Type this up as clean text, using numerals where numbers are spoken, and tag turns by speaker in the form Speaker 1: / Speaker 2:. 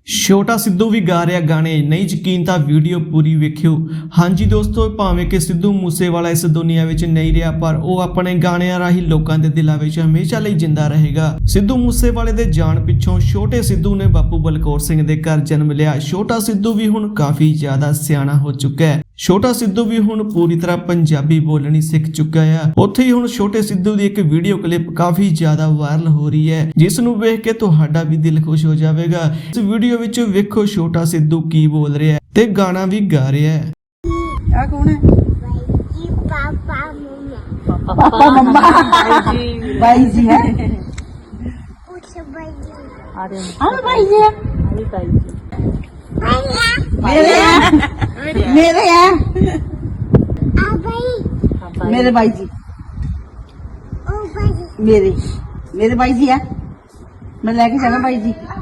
Speaker 1: ਛੋਟਾ ਸਿੱਧੂ ਵੀ ਗਾ ਰਿਹਾ ਗਾਣੇ। ਨਹੀਂ ਯਕੀਨ ਤਾਂ ਵੀਡੀਓ ਪੂਰੀ ਵੇਖਿਓ। ਹਾਂਜੀ ਦੋਸਤੋ, ਭਾਵੇਂ ਕਿ ਸਿੱਧੂ ਮੂਸੇਵਾਲਾ ਇਸ ਦੁਨੀਆ ਵਿੱਚ ਨਹੀਂ ਰਿਹਾ, ਪਰ ਉਹ ਆਪਣੇ ਗਾਣਿਆਂ ਰਾਹੀਂ ਲੋਕਾਂ ਦੇ ਦਿਲਾਂ ਵਿੱਚ ਹਮੇਸ਼ਾ ਲਈ ਜਿੰਦਾ ਰਹੇਗਾ। ਸਿੱਧੂ ਮੂਸੇਵਾਲੇ ਦੇ ਜਾਣ ਪਿੱਛੋਂ ਛੋਟੇ ਸਿੱਧੂ ਨੇ ਬਾਪੂ ਬਲਕੌਰ ਸਿੰਘ ਦੇ ਘਰ ਜਨਮ ਲਿਆ। ਛੋਟਾ ਸਿੱਧੂ ਵੀ ਹੁਣ ਕਾਫੀ ਜ਼ਿਆਦਾ ਸਿਆਣਾ ਹੋ ਚੁੱਕਾ ਹੈ। ਛੋਟਾ ਸਿੱਧੂ ਵੀ ਹੁਣ ਪੂਰੀ ਤਰ੍ਹਾਂ ਪੰਜਾਬੀ ਬੋਲਣੀ ਸਿੱਖ ਚੁੱਕਾ ਹੈ। ਉੱਥੇ ਹੀ ਹੁਣ ਛੋਟੇ ਸਿੱਧੂ ਦੀ ਇੱਕ ਵੀਡੀਓ ਕਲਿੱਪ ਕਾਫੀ ਜ਼ਿਆਦਾ ਵਾਇਰਲ ਹੋ ਰਹੀ ਹੈ, ਜਿਸ ਨੂੰ ਵੇਖ ਕੇ ਤੁਹਾਡਾ ਵੀ ਦਿਲ ਖੁਸ਼ ਹੋ ਜਾਵੇਗਾ। ਇਸ ਵੀਡੀਓ ਵਿੱਚ ਵੇਖੋ ਛੋਟਾ ਸਿੱਧੂ ਕੀ ਬੋਲ ਰਿਹਾ ਹੈ ਤੇ ਗਾਣਾ ਵੀ ਗਾ ਰਿਹਾ ਹੈ।
Speaker 2: ਆ ਕੌਣ ਹੈ?
Speaker 3: पापा मम्मा
Speaker 2: भाई जी है।
Speaker 3: हाँ भाई जी
Speaker 2: मेरे मेरे हैं मेरे भाई जी मेरे मेरे भाई जी है। मैं लेके जाना भाई जी।